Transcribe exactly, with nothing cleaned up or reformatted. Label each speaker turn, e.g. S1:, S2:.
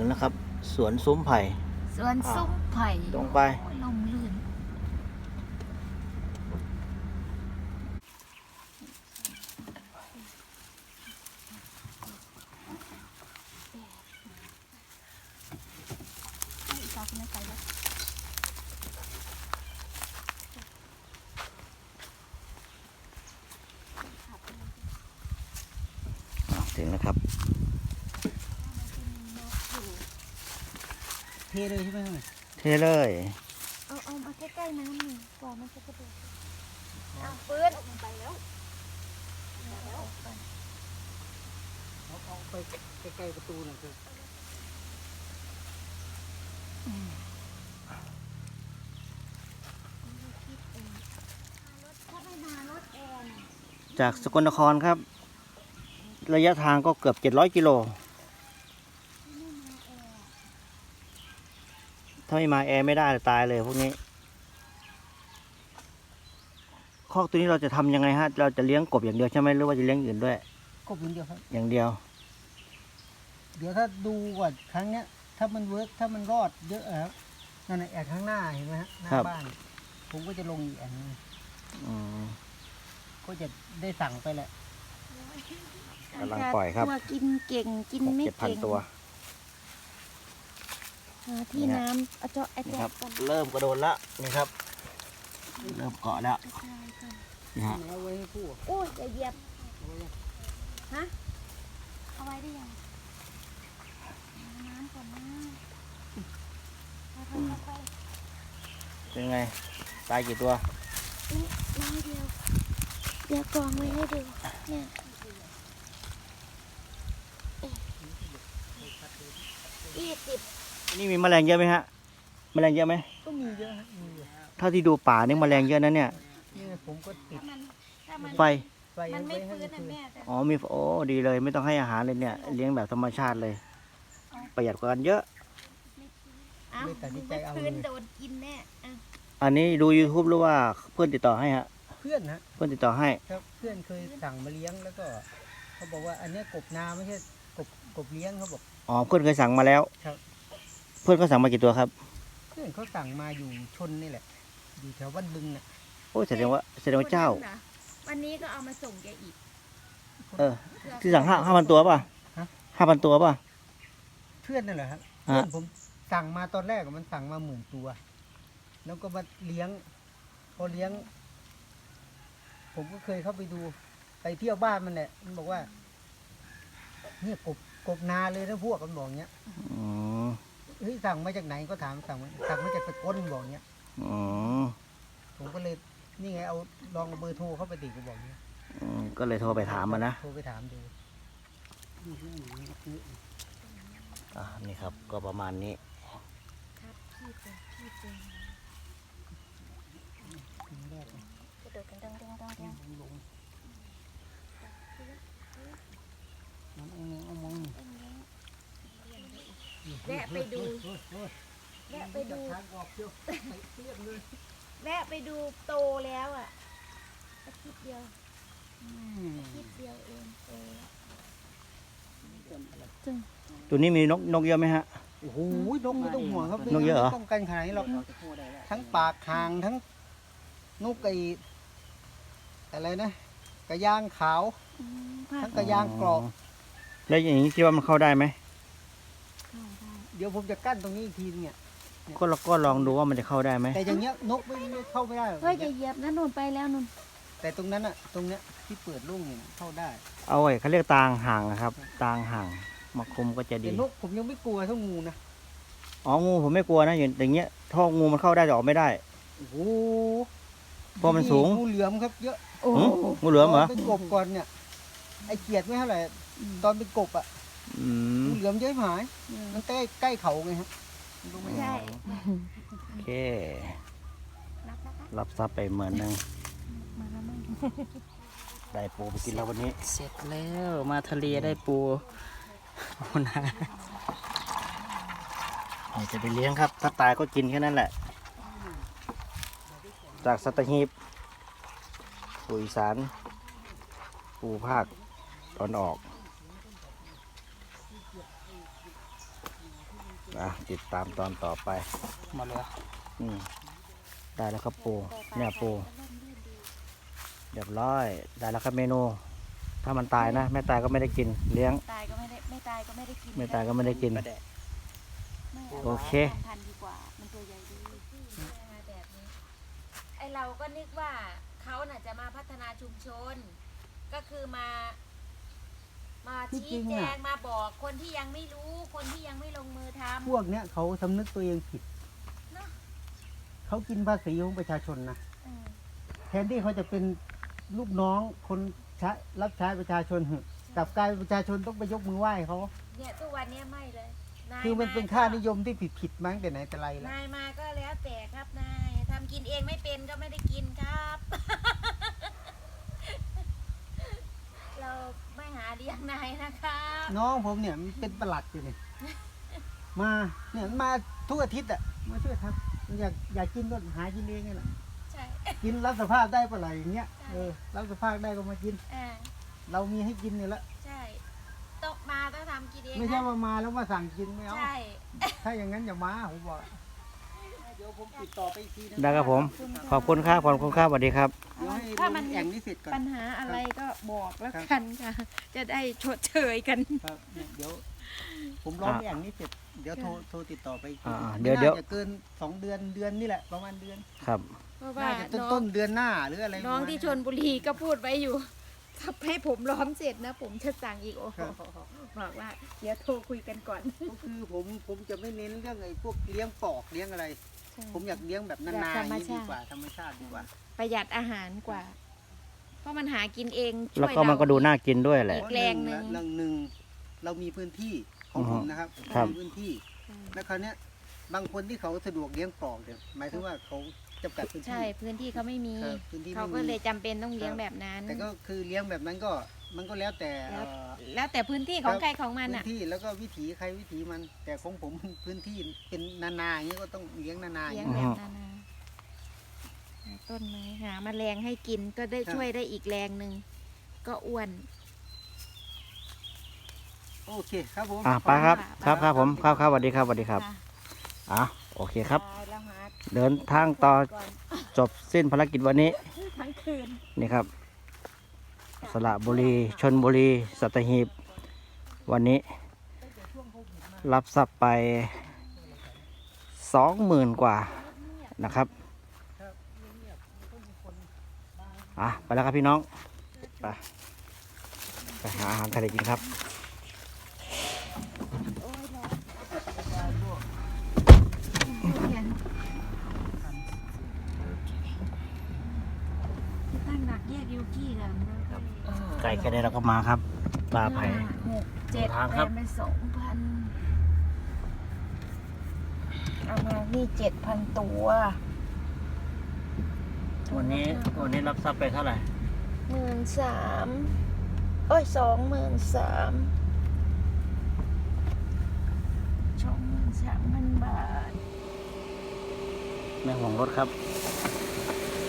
S1: นะครับสวนซุ้มไผ่
S2: สวนซุ้มไผ่
S1: ตรงไป
S2: ลมลื่น
S1: ถึงนะครับ
S3: เทเลยใช่ไหมครับ
S1: เทเลย
S2: เอาเอามาใกล้ๆน้ำหนึ่งกว่ามันจะกระโดดเอาปืนไปแล้ว
S3: เอาเอาไปใกล้ๆประตูหน่อยคือ
S1: จากสกลนครครับระยะทางก็เกือบเจ็ดร้อยกิโลถ้าไม่มาแอร์ไม่ได้ตายเลยพวกนี้คอกตัวนี้เราจะทำยังไงฮะเราจะเลี้ยงกบอย่างเดียวใช่ไหมหรือว่าจะเลี้ยงอื่นด้วย
S3: กบอย่างเดียวครับ
S1: อย่างเดียว
S3: เดี๋ยวถ้าดูก่อนครั้งเนี้ยถ้ามันเวิร์กถ้ามันรอดเยอะครับนั่นแหละแอบข้างหน้าเห็นไหมฮะหน้าบ้านผมก็จะลงอีกอันนึงก็จะได้สั่งไปแหละ
S1: กำลังปล่อยครับ
S2: ตัวกินเก่งกินไม่เก่ง
S1: ตัว
S2: ที่น้ำเอาเจาะไอ้เจาะกัน
S1: เริ่มกระโดดแล้วนี่ครับเริ่มเกาะแล้วนี่ฮะ
S3: เอาไว้ให้ผู้
S2: โอ้ยอย่าเหยียบฮะเอาไว้ได้ยังน้ำก่อนนะ
S1: เป็นไงตายกี่ตัว
S2: นี่น้อยเดียวเดี๋ยวกองไว้ให้ดูเนี่ยยี่สิบ
S1: นี่มีแมลงเยอะไหมฮะแมลงเยอะไหม
S3: ก็มีเยอะมีเยอะ
S1: เท่าที่ดูป่านี่แมลงเยอะนะเนี่ย
S3: นี่ผมก็ติด
S1: ไฟ
S2: มันไม่ฟื้นนะแม่
S1: อ๋อมีโอ้ดีเลยไม่ต้องให้อาหารเลยเนี่ยเลี้ยงแบบธรรมชาติเลยประหยัดกว่ากันเยอะ
S2: อ้าวไม่ฟื้นโดนกินแน่
S1: อันนี้ดู ยูทูบ หรือว่าเพื่อนติดต่อให้ฮะ
S3: เพื่อนนะ
S1: เพื่อนติดต่อให้
S3: ครับเพื่อนเคยสั่งมาเลี้ยงแล้วก็เขาบอกว่าอันนี้กบนาไม่ใช่กบกบเลี้ยงเขาบอก
S1: อ๋อเพื่อนเคยสั่งมาแล้ว
S3: ครับ
S1: เพื่อนเขาสั่งมากี่ตัวครับ
S3: เพื่อนเขาสั่งมาอยู่ชนนี่แหละอยู่แถวบ้านบึงน่ะ
S1: โอ้แสดงว่าแสดงว่าเจ้า
S2: วันนี้ก็เอามาส่งแกอีก
S1: เออที่สั่งห้าห้าพันตัวป่ะห้าพันตัวป่ะ
S3: เพื่อนนั่นแหละครับเพื่อนผมสั่งมาตอนแรกมันสั่งมาหมื่นตัวแล้วก็มาเลี้ยงพอเลี้ยงผมก็เคยเข้าไปดูไปเที่ยวบ้านมันแหละมันบอกว่าเนี่ยกบกบนาเลยนะพวกมันบอกเงี้ยเฮ้ยสั่งมาจากไหนก็ถามสั่งมาสั่งมาจากตะก้นบอกเงี้ยผมก็เลยนี่ไงเอาลองเบอร์โทรเข้าไปติดก็บอกเงี้ย
S1: ก็เลยโทรไปถามมันนะ
S3: โทรไปถามดู
S1: อ่านี่ครับก็ประมาณนี้
S2: แวะไปดูแวะไปดูแวะไปดูโตแล้วอ่ะอาทิตย์เดียวอาทิตย์เดียวเองโต
S1: ตัวนี้มีนกนกเยอะไหมฮะ
S3: โอ้โหนกไม่ต้องห่วงครับ
S1: นกเยอะเหรอ
S3: ต้องกันขนาดนี้หรอกทั้งปากคางทั้งนกไก่อะไรนะกระยางขาวทั้งกระยางกรอบ
S1: แล้วอย่างนี้คิดว่ามันเข้าได้ไหม
S3: เดี๋ยวผมจะกั้นตรงนี้อีกทีเนี่ย
S1: ก็เราก็ลองดูว่ามันจะเข้าได้ไหม
S3: แต่อย่างเงี้ยนกไม่เข้าไม่ได้
S2: เฮ้ยจะเหยียบนะนุ่นไปแล้วนุ่น
S3: แต่ตรงนั้นอะตรงเนี้ยที่เปิดโล่งเนี่ยเข้าได้
S1: เอาไว้เขาเรียกตางห่างนะครับตางห่างมาคุมก็จะดี
S3: แต่นกผมยังไม่กลัวเท่างูนะ
S1: อ๋องูผมไม่กลัวนะอย่างเงี้ยท่องูมันเข้าได้แต่ออกไม่ได้
S3: โอ้โห
S1: เพราะมันสูง
S3: งูเหลือมครับเยอะ
S1: งูเหลือมเหรอ
S3: เป็นกบก่อนเนี่ยไอเกียดไม่เท่าไหร่ตอนเป็นกบอะงูเหลือมเยอะหายมันใกล้ใกล้เขาไงฮะ
S2: ใช่
S1: โอเครับทรัพย์ไปเหมือนนึงได้ปูไปกินแล้ววันนี้
S3: เสร็จแล้วมาทะเลได้ปู
S1: นะนี่จะไปเลี้ยงครับถ้าตายก็กินแค่นั้นแหละจากสัตหีบปูอีสานปูภาคตอนออกอ่ะติดตามตอนต่อไป
S3: มาเลย
S1: อืมได้แล้วครับปูเนี่ยปูเรียบร้อยได้แล้วครับเมนู ถ้ามันตายนะไม่ตายก็ไม่ได้กินเลี้ยง
S2: ตายก็ไม่ได้ไม่ตายก็ไม่ได้กิน
S1: ไม่ตายก็ไม่ได้กิน
S2: ไม่
S1: โอเค
S2: าพันธุ์ดีกว่ามันตัวใหญ่ดีแบบนี้ไอเราก็นึกว่าเขาน่ะจะมาพัฒนาชุมชน ก็คือมา มาชี้แจงมาบอกคนที่ยังไม่รู้คนที่ยังไม่ลงมือทำ
S3: พวกเนี้ยเขาสำนึกตัวเองผิด
S2: เนอะ
S3: เขากินภาษีของประชาชนนะ
S2: เออ
S3: แทนที่เขาจะเป็นลูกน้องคนใช้รับใช้ประชาชนกลับกลายเป็นประชาชนต้องไปยกมือไหว้เขา
S2: เนี่ยทุกวันเนี้ยไม่เลยาย
S3: คือมันเป็น
S2: ก็
S3: ค่านิยมที่ผิดผิดๆมาตั้งแต่ไหนแต่ไรแล้ว
S2: นายมาก็แล้วแต่ครับนายทำกินเองไม่เป็นก็ไม่ได้กินครับ เราไม่หาเลี้ยงนายนะครับ
S3: น้องผมเนี่ยมันเป็นประหลัดอยู่เนี่ยมาเนี่ยมันมาทุกอาทิตย์อ่ะมาช่วยทำมันอยากอยากกินก็หากินเองไงล่ะ
S2: ใช่
S3: กินรับสภาพได้ปะไรอย่างเงี้ยเออรับสภาพได้ก็มากิน
S2: อ่า
S3: เรามีให้กินเนี่ยละ
S2: ใช่ต้องมาต้องทำกินเอง
S3: ไม่ใช่
S2: นะ
S3: ว่ามาแล้วมาสั่งกินไม่เอา
S2: ใช่
S3: ถ้าอย่างนั้นอย่ามาผมบอกเดี๋ยวผมติดต่อไปอีกทีนะ
S1: ได้ครับผม ขอบคุณครับขอบคุณครับสวัสดีครับ
S3: เดี๋ยวให้
S2: ถ้า
S3: ล
S2: มัน
S3: งแอ่งนี้เสร็จก่อน
S2: ปัญหาอะไรก็บอกแล้ว
S3: ครับ
S2: กันค่ะ จะได้ชดเชยกัน
S3: ครับเนี่ยเดี๋ยว ผมร้องแอ่งนี้เสร็จเดี๋ยวโทรโทรติดต่อไปอีกที
S1: อ่า
S3: ไม่
S1: เดี๋ยวเดี๋ยว
S3: น่าจะเกินสองเดือนเดือนนี่แหละประมาณเดือน
S1: ครับ
S2: เพราะว่า
S3: น่าจะต้น
S2: น้อ
S3: ต้
S2: ง
S3: นเดือนหน้าหรืออะไร
S2: น้องที่ช
S3: ประมาณ
S2: นบุรีก็พูดไว้อยู่ ถ้าให้ผมล้อมเสร็จนะ ผมจะสั่งอีกโอ้โหบอกว่าเดี๋ยวโทรคุยกันก่อน
S3: ก็คือผมผมจะไม่เน้นเรื่องไอ้พวกเลี้ยงปอกเลี้ยงอะไร ผมอยากเลี้ยงแบบนา
S2: แบบ
S3: นา
S2: ธ
S3: อ
S2: รรม
S3: ย่างนี้ดี
S2: ชาติ
S3: กว่าธรรมชาติดีกว่า
S2: ประหยัดอาหารกว่า เพราะมันหากินเองช่วย
S1: แล้วก็มันก็ดูน่ากินด้วยแหละ
S2: อีกแรงหนึ่ง
S3: เรื่องหนึ่งเรามีพื้นที่ของผมนะครับ
S1: ครับ
S3: มีพื้นที่ แล้วคราวเนี้ยบางคนที่เขาสะดวกเลี้ยงปอกเนี่ยหมายถึงว่าเขาจำกัดพื้นที่
S2: ใช่พื้นที่เขาไม่มี
S3: ครับพื้นที่
S2: เขา
S3: ไม่
S2: ก็
S3: มี
S2: เลยจำเป็นต้องเลี้ยงแบบนั้น
S3: แต่ก็คือเลี้ยงแบบนั้นก็มันก็แล้วแต่
S2: แล้ว
S3: เอ่อ
S2: แล้วแต่พื้นที่ของ
S3: ครับ
S2: ใครของมัน
S3: พื้
S2: อ่ะ
S3: นที่แล้วก็วิถีใครวิถีมัน แต่ของผม พื้นที่เป็นนานาอย่างนี้ก็ต้องเลี้ยงนานาอ
S2: เลี้ย
S3: ย่าง ง
S2: แบ
S3: นี้
S2: บนานาหาต้นไม้หาแมลงให้กินก็ได้
S3: ครับ
S2: ช่วยได้อีกแรงหนึ่งก็อ้วน
S3: โอเคครับผม
S1: อ่ะไปครับ
S2: ข
S1: ค
S2: อ
S1: รั
S2: บบ คุณ
S1: ครับผม
S2: ค่ะ
S1: ครับครับสวัสดีครับสวัสดีครับ
S2: ค่ะ
S1: อ่ะโอเคครับ
S2: ตายแล้วหา
S1: เดินทางต่อ
S2: ก่อน
S1: จบสิ้นภารกิจวันนี้
S2: ทั้งคืน
S1: นี่ครับ สระบุรีชนบุรีสัตหีบ วันนี้ รับทรัพย์ไปสองหมื่นกว่านะครับอ่ะไปแล้วครับพี่น้อง ไป ไปหาอาหารทะเลกินครับ
S2: โอ้ยร้อนตั้งหนักแยกยูกี้กันนะครับ
S1: ไก่แค่นี้เราก็มาครับปลาไผ่
S2: หกเจ็ด
S1: ทางครับ
S2: แปดไปสองพันเอามานี่เจ็ดพันตัว
S1: วันนี้วันนี้รับทรัพย์ไปเท่าไหร่
S2: หมื่นสามโอ้ยสองหมื่นสามสองหมื่นสามพันบาท
S1: แม่ห่วงรถครับ
S2: เ